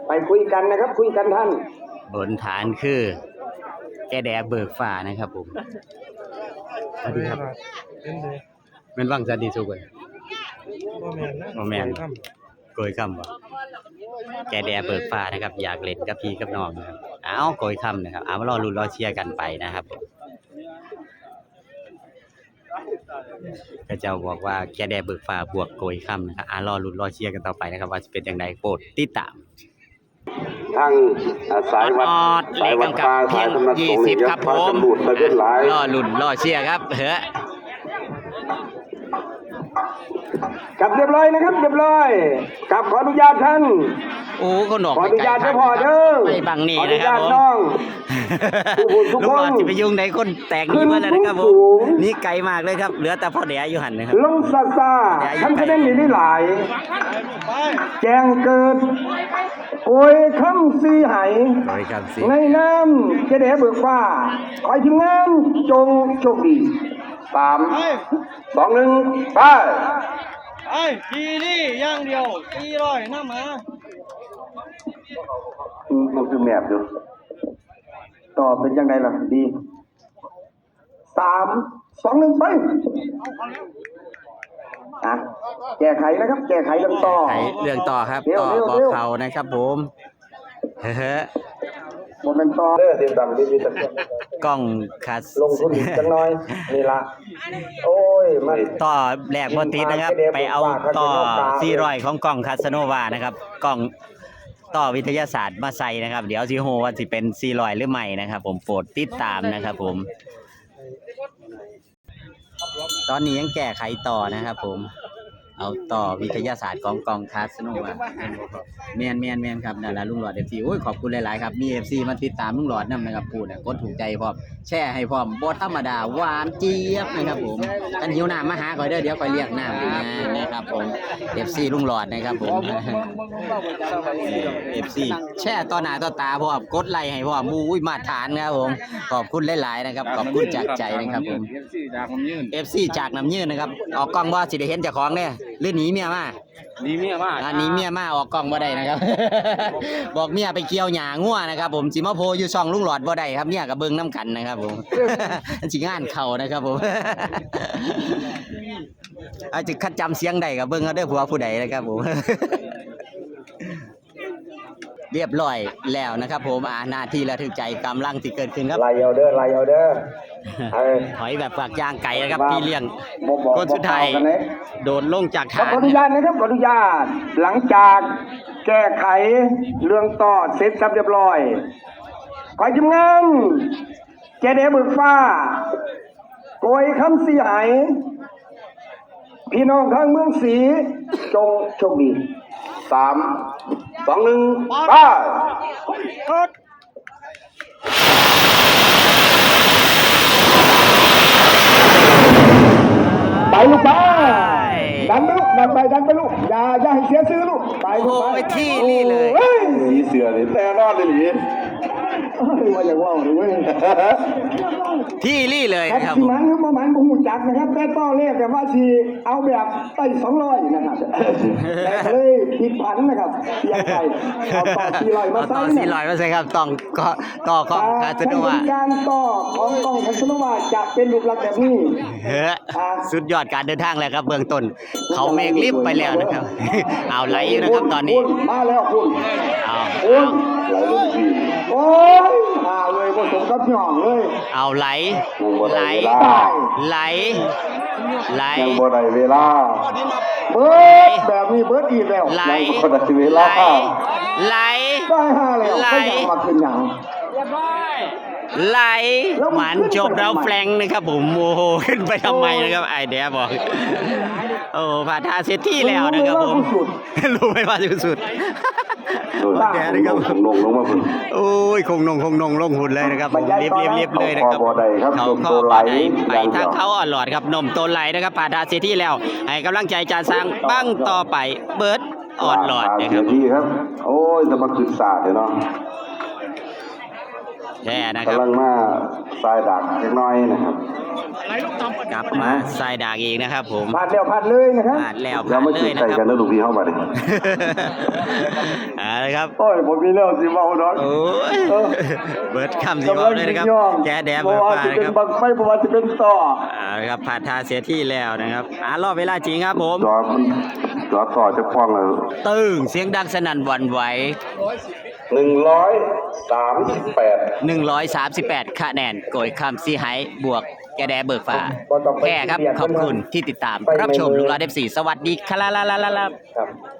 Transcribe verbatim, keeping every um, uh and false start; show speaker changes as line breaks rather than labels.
ไปคุยกันนะครับคุยกันท่าน
บนฐานคือแกแดเบิกฟ้านะครับผมสวัสดีครับเป็นวังจันดีสุกเลยโมแมนโกยคำบ่แกแดเบิกฟ้านะครับอยากเล่นกับพี่กับน้องนะครับอ้าวโกยคำนะครับเอามารอลุ้นรอเชียร์กันไปนะครับก็จะบอกว่าแกแดเบิกฟ้าบวกโกยคำนะครับอ่ารอลุ้นรอเชียร์กันต่อไปนะครับว่าจะเป็นอย่างไรโปรดติดตาม
ทางสายวัด
สายวัดฟ้าสายธรรมะยี่สิบครับผมรอลุ้นรอเชียร์ครับเฮ้
กลับเรียบร้อยนะครับเรียบร้อยกลับขออนุญาตท่าน
โอ้คนหนอก
ขออนุญาตเจ้าพ่อเด้อ
ไม่บังนี่นะครับผมลูกหลอดจะไปยุ่งในคนแตกนี้มาแล้วนะครับผมนี่ไกลมากเลยครับเหลือแต่พ่อเดียอยู่หันนะครับ
ลงซาซาท่านคะแนนนี่ได้หลายแจ้งเกิดโกยคำซีไหในน้ำจะได้เบิกฟ้าคอยทีมงานจงโชคดีสามสองหนึ่งไป
ไอ้ทีนี่ย่างเดียวตีร้อยน้ำมา
มันคือแมบดูต่อเป็นยังไงล่ะดีสามสองหนึ่งไปอ่ะแก้ไขนะครับแก้ไขเรื่องต่อ
เรื่องต่อครับต่อบอกเขานะครับผมเฮ้อ
โมเมนต์ต่อเด้อติดตามดีดีสัก
กล้องคัส
ลงทุนจังน้อยนี่ละโอ้ยมัน
ต่อแหลกบอติดนะครับไปเอาต่อซีรอยของกล้องคาสโนวานะครับกล้องต่อวิทยาศาสตร์มาใส่นะครับเดี๋ยวซีโฮว่าสิเป็นซีรอยหรือไม่นะครับผมโปรดติดตามนะครับผมตอนนี้ยังแก้ไขต่อนะครับผมเอาต่อวิทยาศาสตร์ของกองคาสโนวาเมียนเมียนเมียนครับนั่นแหละลุงหลอดเอฟซีโอ้ยขอบคุณหลายๆครับมีเอฟซีมาติดตามลุงหลอดนำนะครับพูดกดถูกใจพร้อมแช่ให้พร้อมบดธรรมดาหวานเจี๊ยบนะครับผมกันหิวน้ำมาหาก่อนเด้อเดี๋ยวก่อยเรียกน้ำนะครับผมเอฟซีลุงหลอดนะครับผมเอฟซีแช่ต่อหน้าต่อตาพร้อมกดไลค์ให้พร้อมอุ้ยมาฐานครับผมขอบคุณหลายๆนะครับขอบคุณจากใจนะครับผมเอฟซีจากน้ำยืนนะครับออกกล้องว่าสิได้เห็นเจ้าของเนี่ยเรื่องหนีเมียมา
หนีเมียมา
อันนี้เมียมาออกกล้องบ่ได้นะครับ บอกเมียไปเกี่ยวหญ้างัวนะครับผมสิมาโพอยู่ช่องลุงหลอดบ่ได้ครับเมียกับเบิ่งน้ำกันนะครับผมสิงานเข่านะครับผมอาจจะคัดจำเสียงใดกับเบิ่งเอาเด้อผัวผู้ใดนะครับผมเรียบร้อยแล้วนะครับผมอ่าหน้าที่ระทึกใจกำลังที่เกิดขึ้นครับ
ไล่เอาเด้อไล่เอาเด้อ
ถอยแบบฝากยางไก่นะครับพี่เลี้ยงคนสุดท้ายโดนลงจากฐาน
ขออนุญาตนะครับขออนุญาตหลังจากแก้ไขเรื่องต่อเสร็จสับเรียบร้อยขอจิ้มงานแกเดเบิกฟ้าโกยคำสีหายพี่น้องทางเมืองศรีจงโชคดีสามสองหนึ่งไปไปลูกไปดันไปลูกดันไปดันไปลูกอย่าอย่าให้เสียซื้อลูกไป
โอ้ไปที่นี่เลย
สีเสือเลยแต่รอดเลยหรือว่าอย่างว่าหรือว่า
ที่นี่เลยครับ
ที่มันประมาณบุ้งจักนะครับแต่ต้อเลขแต่ว่าทีเอาแบบไต่สองร้อยนะครับแต่เลยผิดพันนะครับยังไงเอาต่อสี่ร้อยมาใส่
ต่อสี่ร้อยมาใส่ครับต้องก็ต่อของคาสโนวา
การต่อของกองคาสโนวาจะเป็นรูปลักษณ์แบบนี้
เฮ้อสุดยอดการเดินทางแล้วครับเบื้องต้นเขาเมฆลิฟไปแล้วนะครับเอาไหลนะครับตอนนี้
มาแล้วคุณ
เอา
ไหลลงทีโอ้ยอาเลยผสมกับหย่องเลย
เอาไหลไหลไหลไหล
ยังบ่ได้เวลาเบิดแบบนี้เบิดอีกแล้ว
ไหล
บ่ได้เวลา
ไหล
ได้ห้าแล้วก็ยังมาขึ้นหยัง
ไหลหมันจบแล้วแฟงนะครับผมโอ้โหขึ้นไปทำไมนะครับไอเดียบอกโอ้ผ่าทาเซตที่แล้วนะครับผมรู้ไหมว่าสุดแกนะครับคงนงลงมาโอ้ยคงนงคงนงลงหุ่นเลยนะครับผมเรียบเรียบเรียบเลยนะครับเขาเข้าไปไปทางเขาอ่อนหลอดครับนมโตไหลนะครับผ่าทาเซตที่แล้วให้กำลังใจจานสร้างปั้งต่อไปเบิร์ดอ่อนหลอดนะครับ
โอ้ยจะมาขึ้นศาสตร์เนาะ
แช่นะครับ
กำลังมาสายดักเล็กน้อยนะครับ
กลับมาใส่ดากอีกนะครับผม
ผ่านแล้วผ่านเลยนะครับ
ผ่านแล้ว
อย่า
ผ่าน
มา
เล
คิด
ย
ใจ
นะค
กั
รั
น
บ
นะลูกพี่เข้ามาดิ
เอาละครับ
โอ้ยผมมีเรื่องสิเมาดอก
โอ้ย
เออ
เบิร์ดคำสิบอกเลยนะครับ แกแดบ
เพ
เบิ
ราะ
ร์
ว่า
ฟ้า
จะ
นะ
เป็น
ครับ
บังไฟเพราะว่าจะเป็นต่อ
เอาละครับผ่านทาเสียที่แล้วนะครับอ่ารอบเวลาจริงครับผม
จอมันจอต่อจะคล้องเลย
ตึ้งเสียงดังสนั่นหวั่นไหว
หนึ่งร้อยสามสิบแปด
หนึ่งร้อยสามสิบแปดคะแนนโกยคำซีไฮบวกแกแดเบิกฟ้าแค่ครับ ขอบคุณที่ติดตามรับชมลุงลาเดฟสีสวัสดีครับ